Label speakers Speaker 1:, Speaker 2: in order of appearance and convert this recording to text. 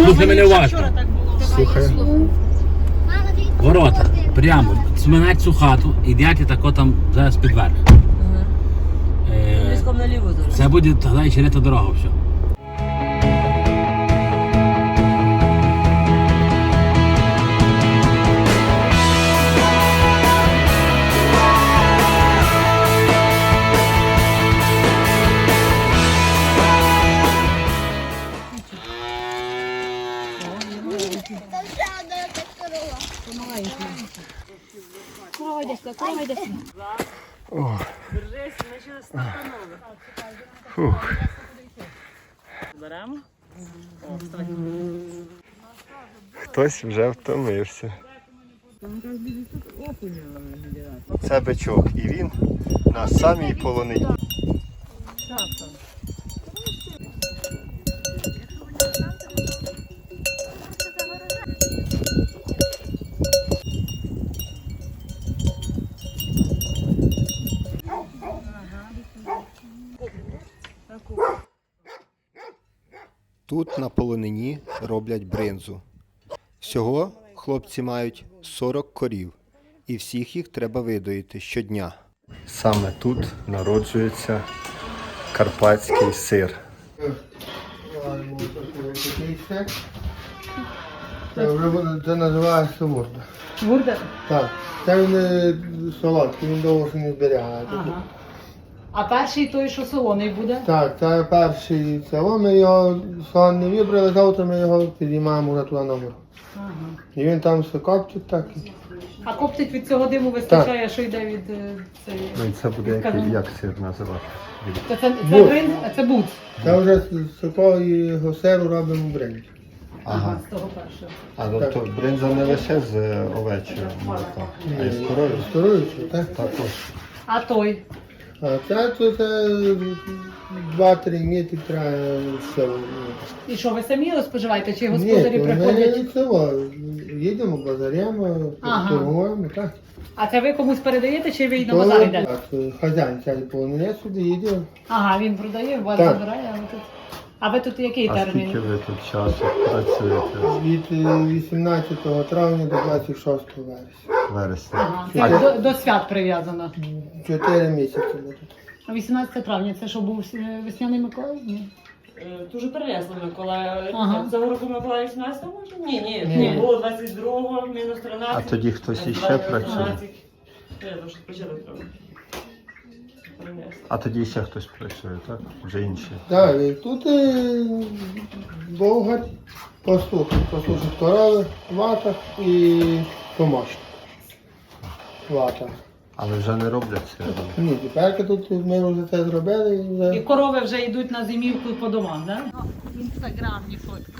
Speaker 1: Слухай мене уважно.
Speaker 2: Слухай.
Speaker 1: Ворота. Прямо. Сминать цю хату, йдете тако там зараз під верх.
Speaker 3: Близько наліво зараз.
Speaker 1: Це буде тоді черета дорога все.
Speaker 3: Корова йде сюди, корова йде сюди.
Speaker 2: О,
Speaker 3: Держись, ми ще стартанули.
Speaker 2: фух.
Speaker 3: Беремо?
Speaker 2: Хтось вже втомився. Це бичок, і він на самій полонині. Тут на полонині роблять бринзу. Всього хлопці мають 40 корів, і всіх їх треба видоїти щодня. Саме тут народжується карпатський сир.
Speaker 4: Це називається ворда.
Speaker 3: Бурда?
Speaker 4: Так. Це він солодкий, він довго ще не зберігає.
Speaker 3: Ага. А перший той, що солоний буде?
Speaker 4: Так, це перший село, ми його сон не вибрали, завтра ми його підіймаємо вже туди на гору.
Speaker 3: Ага.
Speaker 4: І він там все коптить так.
Speaker 3: А коптить від цього диму вистачає, що йде від цієї?
Speaker 2: Ну і це буде як сир називати?
Speaker 3: Це
Speaker 4: Буц.
Speaker 3: бринз, а це буц.
Speaker 4: Це вже з такого сиру робимо бренд.
Speaker 3: Ага, з того першого.
Speaker 2: А ну то бринза не лише з овечою молока, а й з коров'ю.
Speaker 4: Сторуючи, так?
Speaker 2: Також.
Speaker 3: А той?
Speaker 4: А це тут 2-3 місяці треба село.
Speaker 3: І що, ви самі його споживаєте, чи
Speaker 4: Ні,
Speaker 3: господарі
Speaker 4: то ми
Speaker 3: приходять?
Speaker 4: село. Їдемо, базарємо,
Speaker 3: Ага.
Speaker 4: торгуємо, так.
Speaker 3: А це ви комусь передаєте, чи ви й на базар йдете?
Speaker 4: Так, хазяїн цей полонець сюди їде.
Speaker 3: Ага, він продає, вас
Speaker 4: Так.
Speaker 3: забирає, а ви тут. А ви тут який
Speaker 2: А
Speaker 3: термін?
Speaker 2: скільки ви тут часу працюєте?
Speaker 4: Від 18 травня до 26 вересня.
Speaker 2: Вересня.
Speaker 3: Ага, це до свят прив'язано.
Speaker 4: 4 місяці ми тут.
Speaker 3: А 18 травня це що був весняний Миколай? Ні.
Speaker 5: Дуже перенесли Миколая.
Speaker 3: Ага.
Speaker 5: Цього року Миколая 18 може? Ні.
Speaker 3: Ні.
Speaker 5: Було 22-го, мінус 13.
Speaker 2: А тоді хтось іще працює?
Speaker 5: Я вже почали трохи. Перенесли.
Speaker 2: А тоді ще хтось працює, так? Вже інші.
Speaker 4: Так, і тут болгар, послухать корови, вата і помощник. Вата.
Speaker 2: Але вже не роблять це.
Speaker 4: Ні, тепер тут ми вже це зробили і
Speaker 3: І
Speaker 4: вже.
Speaker 3: корови вже йдуть на зимівку по домам, так? Да? Інстаграмні фотки.